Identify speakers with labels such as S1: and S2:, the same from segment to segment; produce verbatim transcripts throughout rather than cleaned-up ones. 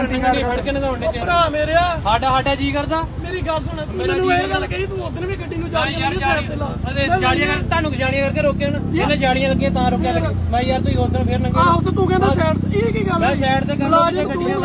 S1: ਗੱਡੀ ਗੱਡੀ ਫੜ ਕੇ ਨਗਾਉਣ ਦੇ
S2: ਭਰਾ ਮੇਰਿਆ
S1: ਸਾਡਾ ਸਾਡਾ ਜੀ ਕਰਦਾ
S2: ਮੇਰੀ ਗੱਲ ਸੁਣ ਮੈਨੂੰ ਇਹ ਗੱਲ ਕਹੀ ਤੂੰ ਉਧਰ ਵੀ ਗੱਡੀ ਨੂੰ ਜਾ
S1: ਯਾਰ ਜਾਲੀਆਂ ਤੁਹਾਨੂੰ ਜਾਲੀਆਂ ਕਰਕੇ ਰੋਕੇ ਨਾ ਇਹਨੇ ਜਾਲੀਆਂ ਲੱਗੀਆਂ ਤਾਂ ਰੋਕਿਆ ਲੱਗੇ ਮੈਂ ਯਾਰ ਤੁਸੀਂ ਉਧਰ ਫੇਰ ਨੰਗੇ
S2: ਆਹੋ ਤੇ ਤੂੰ ਕਹਿੰਦਾ ਸਾਈਡ ਇਹ ਕੀ ਗੱਲ
S1: ਮੈਂ ਸਾਈਡ ਤੇ ਕਰ
S2: ਗੱਡੀਆਂ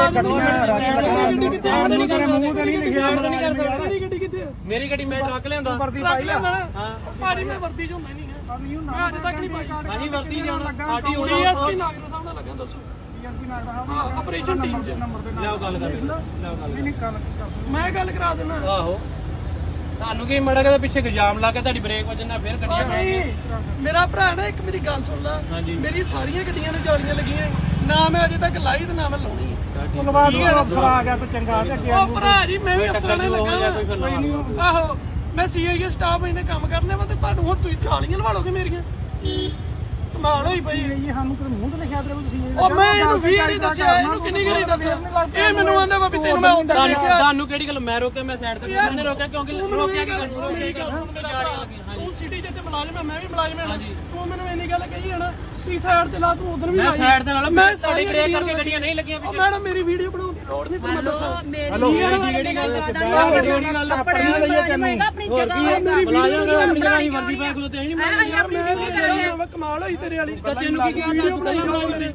S2: ਗੱਡੀ ਕਿੱਥੇ
S1: ਨਹੀਂ ਕਰ ਮੂੰਹ ਤੇ ਨਹੀਂ ਲਿਖਿਆ
S2: ਨਹੀਂ ਕਰ ਸਕਦਾ ਮੇਰੀ ਗੱਡੀ ਕਿੱਥੇ
S1: ਮੇਰੀ ਗੱਡੀ ਮੈਂ ਟਰੱਕ ਲਿਆਂਦਾ
S2: ਟਰੱਕ ਲਿਆਂਦਾ ਹਾਂ ਭਾਜੀ ਮੈਂ ਵਰਦੀ ਚ ਹੁੰਦਾ ਨਹੀਂ ਹੈ ਮੈਂ ਅੱਜ ਤੱਕ ਨਹੀਂ ਪਾਈ
S1: ਹਾਂਜੀ ਵਰਦੀ ਜਾਣਾ ਸਾਡੀ ਹੋਣੀ
S2: ਡੀਐਸਪੀ ਨਾਗਰ ਸਾਹਿਬ ਨਾਲ ਲੱਗਾ ਦੱਸੋ ਹਾਂ ਆਪਰੇਸ਼ਨ ਟੀਮ ਚ
S1: ਲਿਆਓ ਗੱਲ ਕਰ ਲਿਆਓ ਗੱਲ
S2: ਮੈਂ ਗੱਲ ਕਰਾ ਦਿੰਦਾ
S1: ਆਹੋ ਤੁਹਾਨੂੰ ਕੀ ਮੜਾ ਕੇ ਪਿੱਛੇ ਇਲਜ਼ਾਮ ਲਾ ਕੇ ਤੁਹਾਡੀ ਬ੍ਰੇਕ ਵੱਜਣ ਨਾਲ ਫੇਰ ਗੱਡੀਆਂ
S2: ਨਹੀਂ ਮੇਰਾ ਭਰਾ ਨਾ ਇੱਕ ਮੇਰੀ ਗੱਲ ਸੁਣ ਲੈ ਮੇਰੀ ਸਾਰੀਆਂ ਗੱਡੀਆਂ ਨੂੰ ਜਾਲੀਆਂ ਲੱਗੀਆਂ ਨਾ ਮੈਂ ਅਜੇ ਤੱਕ ਲਾਈ ਤੇ ਨਾ ਮੈਂ ਲਾਉਣੀ
S3: ਅਫਸਰ ਆ ਗਿਆ ਤਾਂ ਚੰਗਾ ਤੇ
S2: ਉਹ ਭਰਾ ਜੀ ਮੈਂ ਵੀ ਅਫਸਰਾਂ ਨੇ ਲੱਗਾ ਆਹੋ ਮੈਂ ਸੀਆਈਏ ਸਟਾਫ ਇਹਨੇ ਕੰਮ ਕਰਨੇ ਵਾ ਤੇ ਤੁਹਾਨੂੰ ਹੁਣ ਤੁਸੀਂ ਜਾਲੀਆਂ ਲਵਾ ਲੋਗੇ ਮੇਰੀਆਂ ਕਮਾਲ ਹੋਈ ਪਈ
S3: ਇਹ ਸਾਨੂੰ ਕਿਤੇ ਮੂੰਹ ਤੇ ਲਿਖਿਆ ਤੇ ਤੁਸੀਂ
S2: ਉਹ ਮੈਂ ਇਹਨੂੰ ਵੀ ਨਹੀਂ ਦੱਸਿਆ ਇਹਨੂੰ ਕਿੰਨੀ ਗਰੀ ਦੱਸਿਆ ਇਹ ਮੈਨੂੰ ਆਂਦਾ ਵਾ ਵੀ ਤੈਨੂੰ ਮੈਂ ਹੁੰਦਾ
S1: ਤੁਹਾਨੂੰ ਕਿਹੜੀ ਗੱਲ ਮੈਂ ਰੋਕਿਆ ਮੈਂ ਸਾਈਡ ਤੇ ਕਿਹਨੇ ਰੋਕਿਆ ਕਿਉਂਕਿ ਰੋਕਿਆ ਕਿ
S2: ਤੂੰ ਸਿਟੀ ਚ ਤੇ ਮੁਲਾਜ਼ਮ ਹੈ ਮੈਂ ਵੀ ਮੁਲਾਜ਼ਮ ਹਾਂ ਤੂੰ ਮੈਨੂੰ ਇੰਨੀ ਗੱਲ ਕਹੀ ਹੈ ਨਾ ਤੀ ਸਾਈਡ ਤੇ ਲਾ ਤੂੰ ਉਧਰ ਵੀ
S1: ਮੈਂ ਸਾਈਡ ਦੇ ਨਾਲ ਮੈਂ ਸਾਡੀ ਬ੍ਰੇਕ ਕਰਕੇ ਗੱਡੀਆਂ ਨਹੀਂ ਲੱਗੀਆਂ
S2: ਉਹ ਮੈਡਮ ਮੇਰੀ ਵੀਡੀਓ ਬਣਾਉਣ ਦੀ ਲੋੜ ਨਹੀਂ ਤੁਹਾਨੂੰ ਮੈਂ ਦੱਸਾਂ
S4: ਹੈਲੋ
S1: ਕਿਹੜੀ ਗੱਲ ਕਿਹੜੀ ਗੱਲ
S4: ਆਪਣੀ ਲਈਏ ਤੈਨੂੰ ਆਪਣੀ ਜਗ੍ਹਾ
S1: ਮੁਲਾਜ਼ਮ ਦਾ ਆਪਣੀ ਜਗ੍ਹਾ ਹੀ ਵਰਦੀ ਪਾ ਖਲੋਤੇ ਨਹੀਂ
S4: ਅਸੀਂ ਆਪਣੀ ਡਿਊਟੀ ਕਰਦੇ
S2: ਕਮਾਲ ਹੋਈ ਤੇਰੇ ਵਾਲੀ
S1: ਤੈਨੂੰ ਕੀ ਵੀਡੀਓ ਬਣਾਈ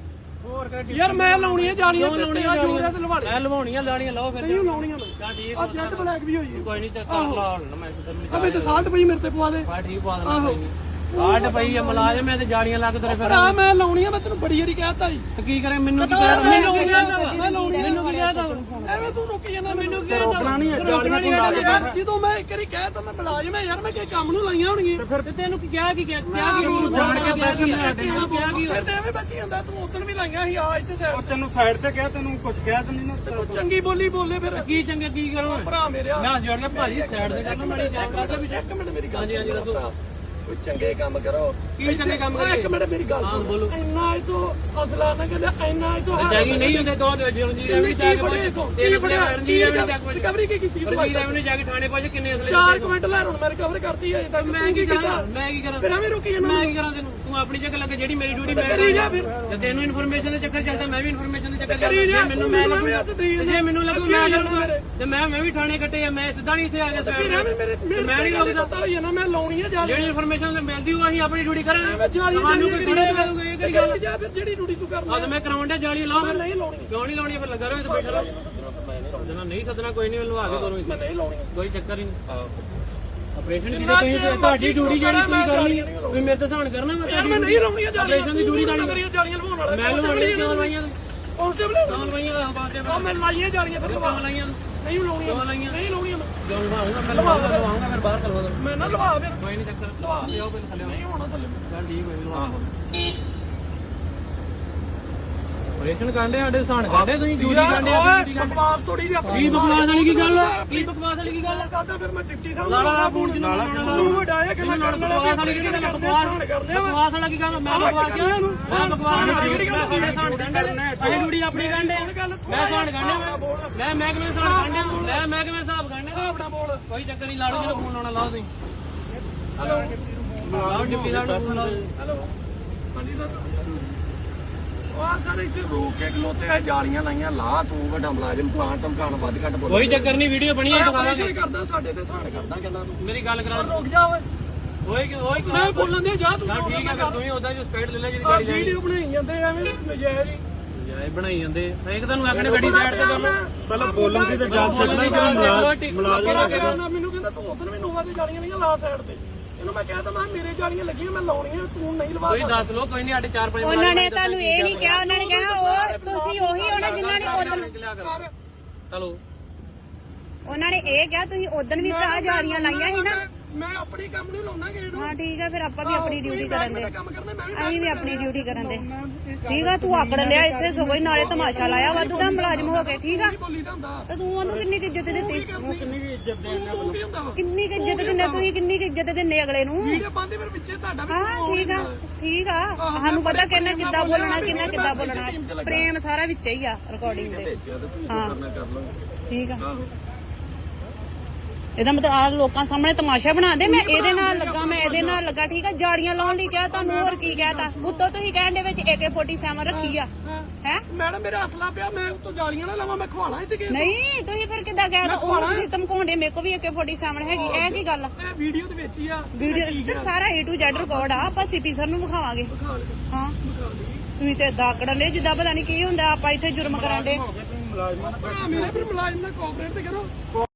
S2: ਯਾਰ ਮੈਂ ਲਾਉਣੀਆਂ ਜਾਲੀਆਂ ਤੇ ਤੇਰਾ ਜੋਰ ਹੈ ਤੇ ਲਵਾ
S1: ਮੈਂ ਲਵਾਉਣੀਆਂ ਲਾਣੀਆਂ ਲਾਓ ਫਿਰ
S2: ਨਹੀਂ ਲਾਉਣੀਆਂ ਮੈਂ
S1: ਚਾ ਠੀਕ
S2: ਆ ਜੈਟ ਬਲੈਕ ਵੀ ਹੋਈ
S1: ਕੋਈ ਨਹੀਂ ਚੱਕਰ ਲਾ ਲੈਣਾ ਮੈਂ
S2: ਆ ਮੈਂ ਤੇ ਸਾਲਟ ਪਈ ਮੇਰੇ ਤੇ ਪਵਾ ਦੇ
S1: ਬਾ ਠੀਕ ਪਾ ਦੇਣਾ ਕੋਈ ਨਹੀਂ ਕਾਟ ਪਈ ਆ ਮੁਲਾਜ਼ਮ ਐ ਤੇ ਜਾਲੀਆਂ ਲੱਗ ਤੇਰੇ ਫਿਰ
S2: ਭਰਾ ਮੈਂ ਲਾਉਣੀਆਂ ਮੈਂ ਤੈਨੂੰ ਬੜੀ ਵਾਰੀ ਕਹਿਤਾ ਜੀ
S1: ਤੇ ਕੀ ਕਰੇ ਮੈਨੂੰ ਕੀ ਕਹਿ
S2: ਮੈਂ ਲਾਉਣੀਆਂ ਮੈਂ ਲਾਉਣੀਆਂ
S1: ਮੈਨੂੰ ਕੀ ਕਹਿਦਾ
S2: ਐਵੇਂ ਤੂੰ ਰੁਕ ਜਾਂਦਾ ਮੈਨੂੰ ਕੀ ਰੋਕਣਾ ਨਹੀਂ ਜਾਲੀਆਂ ਤੂੰ ਲਾ ਦੇ ਜਦੋਂ ਮੈਂ ਇੱਕ ਵਾਰੀ ਕਹਿਤਾ ਮੈਂ ਮੁਲਾਜ਼ਮ ਐ ਯਾਰ ਮੈਂ ਕਿ ਕੰਮ ਨੂੰ ਲਾਈਆਂ ਹੋਣਗੀਆਂ
S1: ਫਿਰ ਤੇ ਤੈਨੂੰ ਕੀ ਕਿਹਾ ਕੀ ਕਿਹਾ ਕੀ ਰੂਲ ਜਾਣ ਕੇ ਪੈਸੇ ਮੈਂ ਤੈਨੂੰ ਕਿਹਾ ਕੀ
S2: ਫਿਰ ਤੇ ਐਵੇਂ ਬਚੀ ਜਾਂਦਾ ਤੂੰ ਉਦੋਂ ਵੀ ਲਾਈਆਂ ਸੀ ਆ ਇੱਥੇ ਸਾਈਡ
S3: ਤੈਨੂੰ ਸਾਈਡ ਤੇ ਕਿਹਾ ਤੈਨੂੰ ਕੁਝ ਕਿਹਾ ਤੈਨੂੰ ਨਾ
S2: ਤੂੰ ਚੰਗੀ ਬੋਲੀ ਬੋਲੇ ਫਿਰ
S1: ਕੀ ਚੰਗਾ ਕੀ ਕਰੋ
S2: ਭਰਾ ਮੇਰਿਆ
S1: ਮੈਂ ਜੋੜ ਕੇ ਭਾਜੀ ਸਾਈਡ ਤੇ ਕਰਨਾ ਮਾੜੀ ਚੈੱਕ
S2: ਕਰਦਾ ਵੀ ਇੱਕ ਮਿੰਟ ਮੇਰੀ ਗੱਲ
S1: ਹਾਂਜੀ ਹਾਂਜੀ ਦੱਸੋ
S2: ਕੋਈ ਚੰਗੇ ਕੰਮ ਕਰੋ
S1: ਕੀ ਚੰਗੇ ਕੰਮ ਕਰੀਏ
S2: ਇੱਕ ਮਿੰਟ ਮੇਰੀ ਗੱਲ ਸੁਣ
S1: ਬੋਲੋ
S2: ਇੰਨਾ ਇਹ ਤੋਂ ਅਸਲਾ ਨਾ ਕਹਿੰਦੇ ਇੰਨਾ ਇਹ ਤੋਂ
S1: ਜਾਗੀ ਨਹੀਂ ਹੁੰਦੇ ਦੋ ਜਿਉਂ ਜੀ ਰਵੀ ਜਾ ਕੇ ਤੇਲ ਫੜਿਆ ਜੀ ਰਵੀ ਜਾ ਕੇ
S2: ਰਿਕਵਰੀ ਕੀ ਕੀਤੀ
S1: ਰਵੀ ਰਵੀ ਨੇ ਜਾ ਕੇ ਥਾਣੇ ਪਹੁੰਚ ਕਿੰਨੇ ਅਸਲੇ
S2: ਚਾਰ ਕੁਇੰਟ ਲੈ ਹੁਣ ਮੈਂ ਰਿਕਵਰ ਕਰਤੀ ਹੈ ਤਾਂ
S1: ਮੈਂ ਕੀ ਕਰਾਂ ਮੈਂ ਕੀ ਕਰਾਂ
S2: ਫਿਰ ਐਵੇਂ ਰੁਕੀ ਜਾਂਦਾ
S1: ਮੈਂ ਕੀ ਕਰਾਂ ਤੈਨੂੰ ਤੂੰ ਆਪਣੀ ਜਗ੍ਹਾ ਲੱਗੇ ਜਿਹੜੀ ਮੇਰੀ ਡਿਊਟੀ ਮੈਂ
S2: ਕਰੀ ਜਾ ਫਿਰ
S1: ਤੇ ਤੈਨੂੰ ਇਨਫੋਰਮੇਸ਼ਨ ਦੇ ਚੱਕਰ ਚੱਲਦਾ ਮੈਂ ਵੀ ਇਨਫੋਰਮੇਸ਼ਨ ਦੇ ਚੱਕਰ
S2: ਕਰੀ ਜਾ
S1: ਮੈਨੂੰ ਮੈਂ ਜੇ ਮੈਨੂੰ ਲੱਗੂ ਮੈਂ ਲੱਗੂ ਤੇ ਮੈਂ ਮੈਂ ਵੀ ਥਾਣੇ ਕੱਟੇ ਆ ਮੈਂ ਸਿੱਧਾ ਨਹੀਂ ਇੱਥੇ ਆ ਗਿਆ
S2: ਫਿਰ ਐਵੇਂ ਮੇਰੇ
S1: ਮੈਂ ਨਹੀਂ ਲੱਗਦਾ
S2: ਪਤਾ ਹੋਈ ਨਾ ਮੈਂ ਲਾਉਣੀ ਹੈ ਜਾ
S1: ਜਿਹੜੀ ਇਨਫੋਰਮੇਸ਼ਨ ਮਿਲਦੀ ਉਹ ਅਸੀਂ ਆਪਣੀ ਡਿਊਟੀ ਕਰਾਂਗੇ
S2: ਤੁਹਾਨੂੰ ਕੋਈ ਥੋੜੇ ਕਰੂਗੇ ਇਹ ਕਿਹੜੀ ਗੱਲ ਜਾ ਫਿਰ ਜਿਹੜੀ ਡਿਊਟੀ ਤੂੰ ਕਰਨਾ
S1: ਆ ਮੈਂ ਕਰਾਉਣ ਦਾ ਜਾਲੀ ਲਾਓ ਫਿਰ
S2: ਨਹੀਂ ਲਾਉਣੀ
S1: ਕਿਉਂ ਨਹੀਂ ਲਾਉਣੀ ਫਿਰ ਲੱਗਾ ਰਹੋ ਇੱਥੇ ਬੈਠਾ ਰਹੋ ਜਨਾ ਨਹੀਂ ਸੱਦਣਾ ਕੋਈ ਨਹੀਂ ਲਵਾ ਕੇ ਕਰੋ
S2: ਮੈਂ ਨਹੀਂ ਲਾਉਣੀ
S1: ਕੋਈ ਚੱਕਰ ਹੀ ਨਹੀਂ ਆਪਰੇਸ਼ਨ ਦੀ ਤੁਸੀਂ ਤੁਹਾਡੀ ਡਿਊਟੀ ਜਿਹੜੀ ਤੁਸੀਂ ਕਰਨੀ ਤੁਸੀਂ ਮੇਰੇ ਤੇ ਸਹਾਨ ਕਰਨਾ ਮੈਂ
S2: ਮੈਂ ਨਹੀਂ ਲਾਉਣੀ
S1: ਆਪਰੇਸ਼ਨ ਦੀ ਡਿਊਟੀ
S2: ਜਾਲੀਆਂ ਮੇਰੀਆਂ ਜਾਲੀਆਂ ਲਵਾਉਣ ਵਾਲਾ
S1: ਮੈਂ ਲਵਾਉਣੀ ਕਿਉਂ ਲਵਾਈਆਂ
S2: ਕਾਂਸਟੇਬਲ
S1: ਕਿਉਂ ਲਵਾਈਆਂ ਆ ਬਾਤੇ
S2: ਆ ਮੈਂ ਲਾਈਆਂ ਜਾਲੀਆਂ ਫਿਰ ਲਵਾ
S1: ਲਾਈਆਂ
S2: ਨਹੀਂ ਲਾਉਣੀਆਂ ਨਹੀਂ ਲਾਉਣੀਆਂ ਮੈਂ
S1: ਕਿਉਂ ਲਵਾਉਂਗਾ ਮੈਂ ਲਵਾਉਂਗਾ ਫਿਰ ਬਾਹਰ ਕਰਵਾ ਦੋ
S2: ਮੈਂ ਨਾ ਲਵਾ ਫਿਰ
S1: ਕੋਈ ਨਹੀਂ ਚੱਕਰ
S2: ਲਵਾ
S1: ਲਿਆਓ ਪਹਿਲੇ ਥੱਲੇ
S2: ਨਹੀਂ ਹੋਣਾ ਥੱਲੇ
S1: ਚੱਲ ਠੀਕ ਹੋਈ ਲਵਾ ਆਪਰੇਸ਼ਨ ਕਾਂਡੇ ਸਾਡੇ ਸਹਾਨ ਕਾਂਡੇ ਤੁਸੀਂ ਡਿਊਟੀ ਕਾਂਡੇ
S2: ਓਏ ਬਕਵਾਸ ਥੋੜੀ ਜਿਹੀ ਆਪਣੀ
S1: ਕੀ ਬਕਵਾਸ ਵਾਲੀ ਕੀ ਗੱਲ ਕੀ ਬਕਵਾਸ ਵਾਲੀ ਕੀ ਗੱਲ
S2: ਕਰਦਾ ਫਿਰ ਮੈਂ ਡਿਪਟੀ ਸਾਹਿਬ
S1: ਲਾਲਾ ਦਾ ਫੋਨ ਜਿੰਨਾ ਲਾਉਣਾ
S2: ਤੂੰ ਵਡਾਇਆ ਕਿ ਮੈਂ ਕਰਨ ਵਾਲਾ
S1: ਬਕਵਾਸ ਵਾਲੀ ਕੀ ਗੱਲ ਬਕਵਾਸ ਬਕਵਾਸ ਵਾਲਾ ਕੀ ਗੱਲ ਮੈਂ ਬਕਵਾਸ ਕਿਹਾ ਇਹਨੂੰ ਮੈਂ ਬਕਵਾਸ ਵਾਲੀ ਗੱਲ ਸਾਡੇ ਸਹਾਨ ਕਾਂਡੇ ਅਸੀਂ ਡਿਊਟੀ ਆਪਣੀ ਕਾਂਡੇ ਮੈਂ ਸਹਾਨ ਕਾਂਡੇ ਮੈਂ ਮੈਂ ਕਿਵੇਂ ਸਹਾਨ ਕਾਂਡੇ ਮੈਂ ਮੈਂ ਕਿਵੇਂ ਹਿਸਾਬ ਕਾਂਡੇ
S2: ਹਿਸਾਬ ਨਾਲ ਬੋਲ
S1: ਕੋਈ ਚੱਕਰ ਨਹੀਂ ਲਾੜੂ ਜਿਹੜਾ ਫੋਨ ਲਾਉਣਾ ਲਾਓ ਤੁਸੀਂ ਹੈਲੋ ਲਾਓ ਡਿਪਟੀ ਸਾਹਿਬ ਨੂੰ ਫੋਨ ਲਾਓ
S2: ਹੈਲੋ ਹਾਂਜੀ ਸਰ ਉਹ ਸਰ ਇੱਥੇ ਰੋਕ ਕੇ ਖਲੋਤੇ ਆ ਜਾਲੀਆਂ ਲਾਈਆਂ ਲਾ ਤੂੰ ਵੱਡਾ ਮੁਲਾਜ਼ਮ ਪਲਾਨ ਧਮਕਾਣ ਵੱਧ ਘੱਟ ਬੋਲ
S1: ਕੋਈ ਚੱਕਰ ਨਹੀਂ ਵੀਡੀਓ ਬਣੀ ਹੈ
S2: ਦੁਬਾਰਾ ਕਰਦਾ ਸਾਡੇ ਤੇ ਸਹਾਨ ਕਰਦਾ ਕਹਿੰਦਾ ਤੂੰ
S1: ਮੇਰੀ ਗੱਲ ਕਰਾ
S2: ਰੁਕ ਜਾ ਓਏ
S1: ਓਏ ਓਏ
S2: ਮੈਂ ਬੋਲਣ ਦੇ ਜਾ ਤੂੰ
S1: ਠੀਕ ਹੈ ਫਿਰ ਤੂੰ ਹੀ ਉਹਦਾ ਜੋ ਸਪੀਡ ਲੈ ਲੈ ਜਿਹੜੀ ਗਾੜੀ ਜਾਈ
S2: ਵੀਡੀਓ ਬਣਾਈ ਜਾਂਦੇ ਐਵੇਂ ਨਜਾਇਜ਼ ਹੀ
S1: ਜਾਏ ਬਣਾਈ ਜਾਂਦੇ ਇੱਕ ਤੁਹਾਨੂੰ ਆਖਣੇ ਗੱਡੀ ਸਾਈਡ ਤੇ ਕਰ ਲਓ
S3: ਪਹਿਲਾਂ ਬੋਲਣ ਦੀ ਤਾਂ ਜਾ ਸਕਦਾ ਹੀ
S2: ਮੁਲਾਜ਼ਮ ਮੈਨੂੰ ਕਹਿੰਦਾ ਤੂੰ ਉਧਰ ਵੀ ਨੋਵਾ ਤੇ ਜਾਲੀਆਂ ਨਹੀਂ ਲਾ ਸਾਈਡ ਤੇ ਇਹਨੂੰ ਮੈਂ ਕਹਿ ਤਾ ਮੈਂ ਮੇਰੇ ਜਾਲੀਆਂ ਲੱਗੀਆਂ ਮੈਂ ਲਾਉਣੀਆਂ ਤੂੰ ਨਹੀਂ ਲਵਾ
S1: ਕੋਈ ਦੱਸ ਲੋ ਕੋਈ ਨਹੀਂ ਸਾਡੇ ਚਾਰ ਪੰਜ
S4: ਉਹਨਾਂ ਨੇ ਤੁਹਾਨੂੰ ਇਹ ਨਹੀਂ ਕਿਹਾ ਉਹਨਾਂ ਨੇ ਕਿਹਾ ਉਹ ਤੁਸੀਂ ਉਹੀ ਹੋਣਾ ਜਿਨ੍ਹਾਂ ਨੇ ਉਦੋਂ
S1: ਚਲੋ
S4: ਉਹਨਾਂ ਨੇ ਇਹ ਕਿਹਾ ਤੁਸੀਂ ਉਦੋਂ ਵੀ ਭਰਾ ਜਾਲੀਆਂ ਲਾਈਆਂ ਸੀ ਨਾ
S2: ਮੈਂ ਆਪਣੀ ਕੰਮ ਨਹੀਂ ਲਾਉਣਾ ਗੇੜ
S4: ਹਾਂ ਠੀਕ ਆ ਫਿਰ ਆਪਾਂ ਵੀ ਆਪਣੀ ਡਿਊਟੀ ਕਰਨ ਦੇ
S2: ਕੰਮ ਕਰਨਾ ਮੈਂ ਵੀ
S4: ਅਸੀਂ ਵੀ ਆਪਣੀ ਡਿਊਟੀ ਕਰਨ ਦੇ ਠੀਕ ਆ ਤੂੰ ਆਕੜ ਲਿਆ ਇੱਥੇ ਸਗੋਂ ਹੀ ਨਾਲੇ ਤਮਾਸ਼ਾ ਲਾਇਆ ਵਾਧੂ ਦਾ ਮੁਲਾਜ਼ਮ ਹੋ ਕੇ ਠੀਕ ਆ
S2: ਬੋਲੀ ਦਾ ਹੁੰਦਾ
S4: ਤੇ ਤੂੰ ਉਹਨੂੰ ਕਿੰਨੀ ਕੁ ਇੱਜ਼ਤ ਦਿੱਤੀ
S3: ਕਿੰਨੀ ਵੀ ਇੱਜ਼ਤ ਦੇਣਾ
S2: ਤੂੰ ਕੀ ਹੁੰਦਾ ਵਾ
S4: ਕਿੰਨੀ ਕੁ ਇੱਜ਼ਤ ਦਿੰਦੇ ਤੁਸੀਂ ਕਿੰਨੀ ਕੁ ਇੱਜ਼ਤ ਦਿੰਦੇ ਅਗਲੇ ਨੂੰ
S2: ਵੀਡੀਓ ਪਾਉਂਦੇ ਫਿਰ ਵਿੱਚੇ ਤੁਹਾਡਾ ਵੀ
S4: ਹਾਂ ਠੀਕ ਆ ਠੀਕ ਆ ਸਾਨੂੰ ਪਤਾ ਕਿੰਨਾ ਕਿੱਦਾਂ ਬੋਲਣਾ ਕਿੰਨਾ ਕਿੱਦਾਂ ਬੋਲਣਾ ਪ੍ਰੇਮ ਸਾਰਾ ਵਿੱਚ ਹੀ ਆ ਰਿਕਾਰਡਿੰਗ ਦੇ ਹਾਂ ਠੀਕ ਆ ਇਹਦਾ ਮਤਲਬ ਆ ਲੋਕਾਂ ਸਾਹਮਣੇ ਤਮਾਸ਼ਾ ਬਣਾ ਦੇ ਮੈਂ ਇਹਦੇ ਨਾਲ ਲੱਗਾ ਮੈਂ ਇਹਦੇ ਨਾਲ ਲੱਗਾ ਠੀਕ ਆ ਜਾੜੀਆਂ ਲਾਉਣ ਲਈ ਕਿਹਾ ਤੁਹਾਨੂੰ ਹੋਰ ਕੀ ਕਹਿਤਾ ਉੱਤੋਂ ਤੁਸੀਂ ਕਹਿਣ ਦੇ ਵਿੱਚ ਏ ਕੇ ਸੈਵਨਟੀ ਸੈਵਨ ਰੱਖੀ ਆ ਹੈ
S2: ਮੈਡਮ ਮੇਰਾ ਅਸਲਾ ਪਿਆ ਮੈਂ ਉੱਤੋਂ ਜਾਲੀਆਂ ਨਾ ਲਾਵਾਂ ਮੈਂ ਖਵਾਣਾ ਇੱਥੇ ਕਿਸੇ ਨੂੰ।
S4: ਨਹੀਂ ਤੁਸੀਂ ਫਿਰ ਕਿੱਦਾਂ ਕਹਿ ਦੋ ਉਹ ਤੁਸੀਂ ਧਮਕਾਉਂਦੇ ਮੇਰੇ ਕੋ ਵੀ ਏ ਕੇ ਸੈਵਨਟੀ ਹੈਗੀ ਇਹ ਕੀ ਗੱਲ
S2: ਇਹ ਵੀਡੀਓ ਦੇ ਵਿੱਚ ਹੀ ਆ
S4: ਵੀਡੀਓ ਸਾਰਾ ਏ ਟੂ ਜ਼ੈਡ ਰਿਕਾਰਡ ਆ ਆਪਾਂ ਸੀਪੀ ਸਰ ਨੂੰ ਵਿਖਾਵਾਂਗੇ ਹਾਂ ਤੁਸੀਂ ਤੇ ਏਦਾਂ ਆਕੜਨ ਦੇ ਜਿੱਦਾਂ ਪਤਾ ਨਹੀਂ ਕੀ ਹੁੰਦਾ ਆਪਾਂ ਇੱਥੇ ਜੁਰਮ ਕਰਨ ਦੇ
S3: ਮੁਲਾਜ਼ਮਾਂ
S2: ਮੇਰੇ ਫਿਰ ਮੁਲਾਜ਼ਮ ਨਾਲ ਕੋਆਪਰੇਟ ਤੇ ਕਰੋ